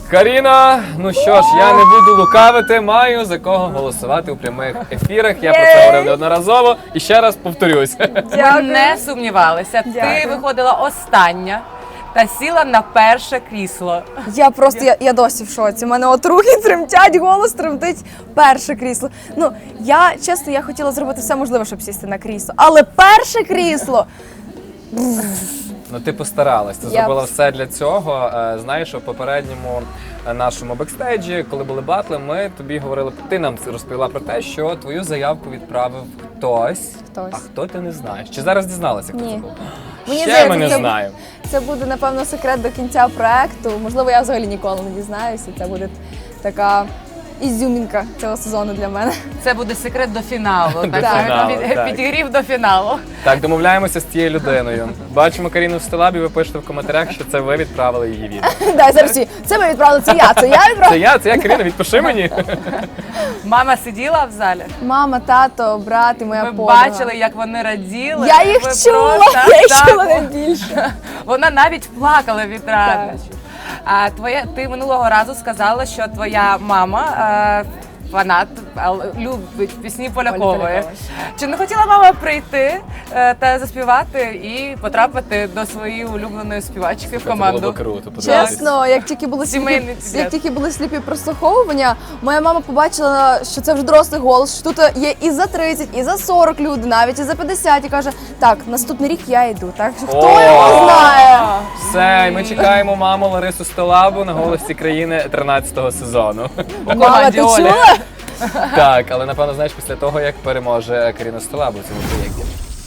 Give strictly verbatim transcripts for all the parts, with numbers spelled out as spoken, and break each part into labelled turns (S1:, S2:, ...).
S1: Каріна, ну що ж, я не буду лукавити, маю за кого голосувати у прямих ефірах. Я про це говорив неодноразово і ще раз повторюсь.
S2: Ми не сумнівалися. Ти
S3: Дякую.
S2: виходила остання та сіла на перше крісло.
S3: Я просто, я, я досі в шоці. У мене от руки тремтять, голос тремтить. Перше крісло. Ну, я, чесно, я хотіла зробити все можливе, щоб сісти на крісло. Але перше крісло!
S1: Ну ти постаралась, ти
S3: Я
S1: зробила
S3: пос-
S1: все для цього. Е, Знаєш, у попередньому е, нашому бекстейджі, коли були батли, ми тобі говорили, ти нам розповіла про те, що твою заявку відправив хтось.
S3: Хтось.
S1: А хто ти не знаєш? Чи зараз дізналася, хто
S3: Ні.
S1: це був?
S3: Мені
S1: Ще
S3: здається,
S1: ми не
S3: це-
S1: знаємо.
S3: Це буде, напевно, секрет до кінця проекту. Можливо, я взагалі ніколи не дізнаюся. Це буде така ізюмінка цього сезону для мене.
S2: Це буде секрет до фіналу.
S1: До
S2: так,
S1: фіналу,
S2: під-
S1: так.
S2: Підігрів до фіналу.
S1: Так, домовляємося з цією людиною. Бачимо Каріну в стелабі, ви пишете в коментарях, що це ви відправили її відео.
S3: Дай зараз всі. Це ми відправили, це я, це я
S1: Це
S3: відправила.
S1: я, це я, Каріна, відпиши мені.
S2: Мама сиділа в залі.
S3: Мама, тато, брат і моя
S2: Ми
S3: подруга.
S2: бачили, як вони раділи.
S3: Я їх
S2: Ви
S3: чула,
S2: просто-
S3: я їх
S2: так,
S3: чула найбільше.
S2: Вона навіть плакала від радощів. А твоя ти минулого разу сказала, що твоя мама е, фанат, але любить пісні Полякової.
S3: Полякової.
S2: Чи не хотіла мама прийти е, та заспівати і потрапити до своєї улюбленої співачки в
S1: Це
S2: команду?
S1: було б круто, подивитись.
S3: Чесно, як тільки були сліпі,
S2: Сімейний підряд.
S3: як тільки були сліпі прослуховування, моя мама побачила, що це вже дорослий голос, що тут є і за тридцять, і за сорок люди, навіть і за п'ятдесят, і каже, так, наступний рік я йду. Так що хто
S1: О!
S3: його знає?
S1: Все, ми чекаємо маму Ларису Стелабу на голосі країни тринадцятого сезону.
S2: У
S3: Мама,
S2: команді
S3: ти
S2: Олі.
S3: чула?
S1: Так, але напевно, знаєш, після того, як переможе Каріна Стелабу в цьому проєкті.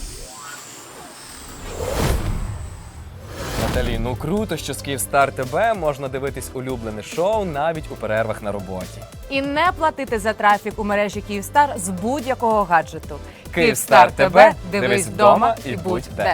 S1: Наталі, ну круто, що з Київстар ТВ можна дивитись улюблене шоу навіть у перервах на роботі.
S2: І не платити за трафік у мережі Київстар з будь-якого гаджету.
S1: Київстар ТВ,
S2: дивись вдома і будь де.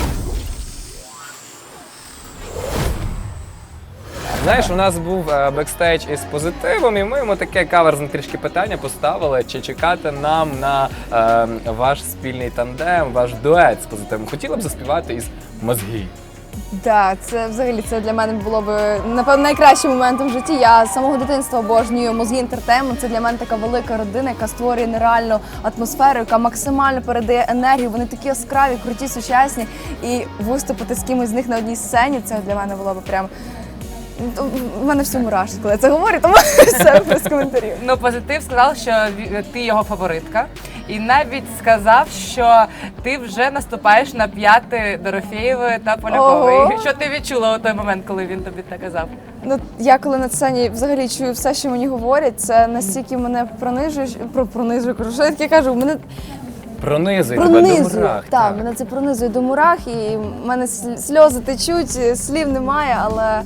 S1: Знаєш, у нас був е, бекстейдж із позитивом, і ми йому таке каверзне трішки питання поставили, чи чекати нам на е, ваш спільний тандем, ваш дует з позитивом. Хотіла б заспівати із «Мозги».
S3: Так, це взагалі це для мене було б напевно найкращим моментом в житті. Я з самого дитинства обожнюю «Мозги Інтертеймент». Це для мене така велика родина, яка створює нереальну атмосферу, яка максимально передає енергію. Вони такі яскраві, круті, сучасні. І виступити з кимось з них на одній сцені, це для мене було б прям. У мене всі мурашки, коли я це говорю, тому все без коментарів.
S2: Ну, позитив сказав, що ві- ти його фаворитка. І навіть сказав, що ти вже наступаєш на п'яти Дорофєєвої та Полякової.
S3: Ого.
S2: Що ти відчула у той момент, коли він тобі це казав?
S3: Ну, я коли на сцені взагалі чую все, що мені говорять, це настільки мене пронижує, про пронижує, кажу, що я таке кажу, мене
S1: Пронизує тебе до
S3: пронизує.
S1: мурах.
S3: Так, мене це пронизує до мурах, і в мене сл- сльози течуть, слів немає, але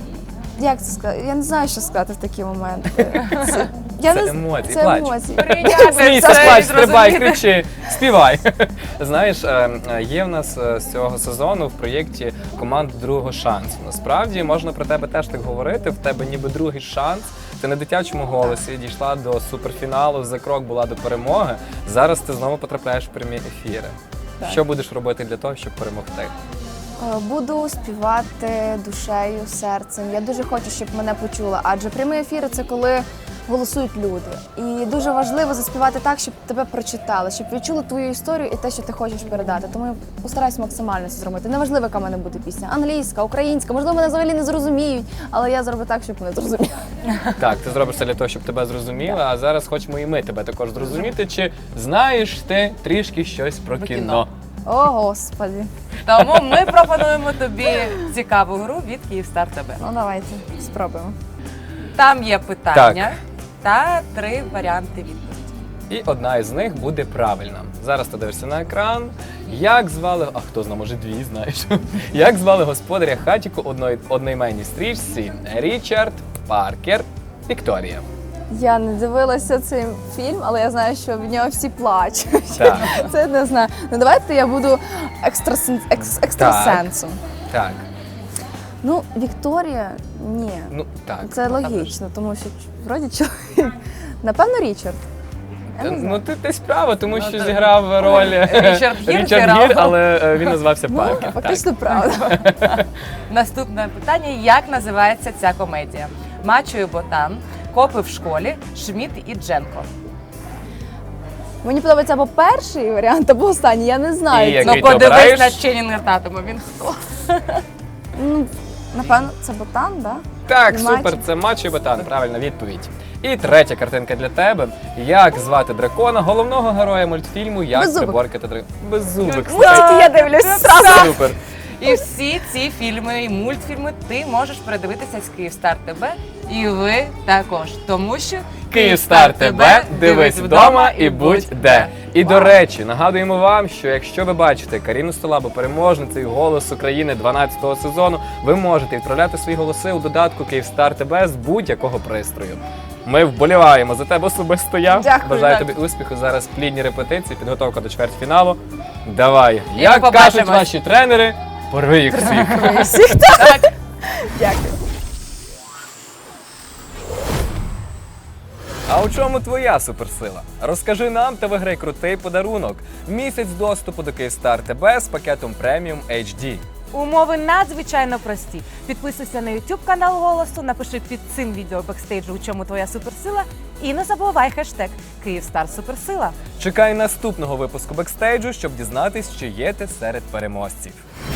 S3: як це сказати? Я не знаю, що сказати в такі моменти. Це, я
S1: Це
S3: не з-
S1: емоції,
S3: це
S1: плач.
S3: емоції.
S2: Прийняти
S1: Смійся,
S2: це і
S1: плач, стрибай,
S2: зрозуміти.
S1: кричи, співай. Знаєш, е, е, є в нас е, з цього сезону в проєкті команда другого шансу. Насправді можна про тебе теж так говорити. В тебе ніби другий шанс. Ти на дитячому голосі дійшла до суперфіналу, за крок була до перемоги. Зараз ти знову потрапляєш в прямі ефіри. Що будеш робити для того, щоб перемогти?
S3: Е, Буду співати душею, серцем. Я дуже хочу, щоб мене почула, адже прямі ефіри це коли голосують люди. І дуже важливо заспівати так, щоб тебе прочитали, щоб відчули твою історію і те, що ти хочеш передати. Тому я постараюсь максимально це зробити. Неважливо, яка в мене буде пісня. Англійська, українська, можливо, мене взагалі не зрозуміють, але я зроблю так, щоб мене зрозуміли.
S1: Так, ти зробиш це для того, щоб тебе зрозуміли, а зараз хочемо і ми тебе також зрозуміти. Чи знаєш ти трішки щось про
S2: Про
S1: кіно?
S2: кіно.
S3: О, Господи.
S2: Тому ми пропонуємо тобі цікаву гру від Київстар ТВ.
S3: Ну давайте спробуємо.
S2: Там є питання та три варіанти відповіді.
S1: І одна із них буде правильна. Зараз ти дивишся на екран. Як звали, а хто знає, може дві, знаєш. Як звали господаря хатіку одної одноіменній стрічці Річард, Паркер, Вікторія?
S3: Я не дивилася цей фільм, але я знаю, що в нього всі плачуть.
S1: Так.
S3: Це не знаю. Ну давайте я буду екстрасен... екс... екстрасенсом.
S1: Так,
S3: Ну, Вікторія, ні.
S1: ну так.
S3: Це логічно, тому що вроді чоловік. Напевно, Річард. Я не знаю.
S1: Ну ти десь право, тому
S2: Ну,
S1: що
S2: так.
S1: зіграв роль
S2: Річард Гір
S1: Річард
S2: зіграв.
S1: Гір, але е, він назвався Паркер.
S3: Ну,
S1: Так.
S3: фактично правда.
S2: Наступне питання: як називається ця комедія? Мачо і Ботан, Копи в школі, Шмідт і Дженко.
S3: Мені подобається або перший варіант, або останній, я не знаю.
S1: І
S3: Це-
S1: який
S2: Ну
S1: ти
S2: подивись
S1: обираєш?
S2: на Ченінга Татума, він хто?
S3: Ну, напевно, це ботан, так? Да?
S1: Так,
S3: Мачо.
S1: супер, це Мачо і Ботан, правильна відповідь. І третя картинка для тебе. Як звати дракона, головного героя мультфільму «Як
S3: Беззубик.
S1: приборкати дракона»? Беззубик.
S3: Мультики я дивлюсь зразу.
S1: Супер.
S2: І всі ці фільми і мультфільми ти можеш передивитися з Київстар ТБ, і ви також, тому що
S1: Київстар ТБ, дивись вдома і будь де. І до речі, нагадуємо вам, що якщо ви бачите Каріну Столабу переможницею «Голос України» дванадцятого сезону, ви можете відправляти свої голоси у додатку Київстар ТБ з будь-якого пристрою. Ми вболіваємо за тебе особисто я.
S3: Дякую.
S1: Бажаю
S2: Так.
S1: тобі успіху. Зараз плідні репетиції, підготовка до чвертьфіналу. Давай.
S2: І
S1: Як
S2: ми
S1: кажуть
S2: побачимось.
S1: ваші тренери, порви їх всіх.
S3: Всіх так. Дякую.
S1: А у чому твоя суперсила? Розкажи нам та виграй крутий подарунок. Місяць доступу до Київстар ТБ з пакетом преміум ейч ді.
S2: Умови надзвичайно прості. Підписуйся на YouTube канал Голосу, напиши під цим відео бекстейджу, у чому твоя суперсила, і не забувай хештег Київстар Суперсила.
S1: Чекай наступного випуску бекстейджу, щоб дізнатись, чи є ти серед переможців.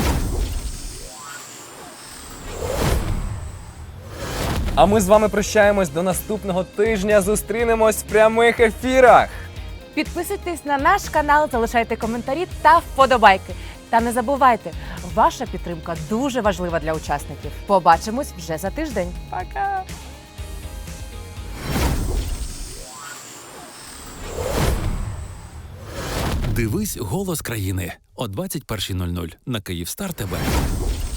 S1: А ми з вами прощаємось до наступного тижня. Зустрінемось в прямих ефірах.
S2: Підписуйтесь на наш канал, залишайте коментарі та вподобайки. Та не забувайте, ваша підтримка дуже важлива для учасників. Побачимось вже за тиждень. Пока!
S4: Дивись «Голос країни» о двадцять першій нуль нуль на Київстар ТБ.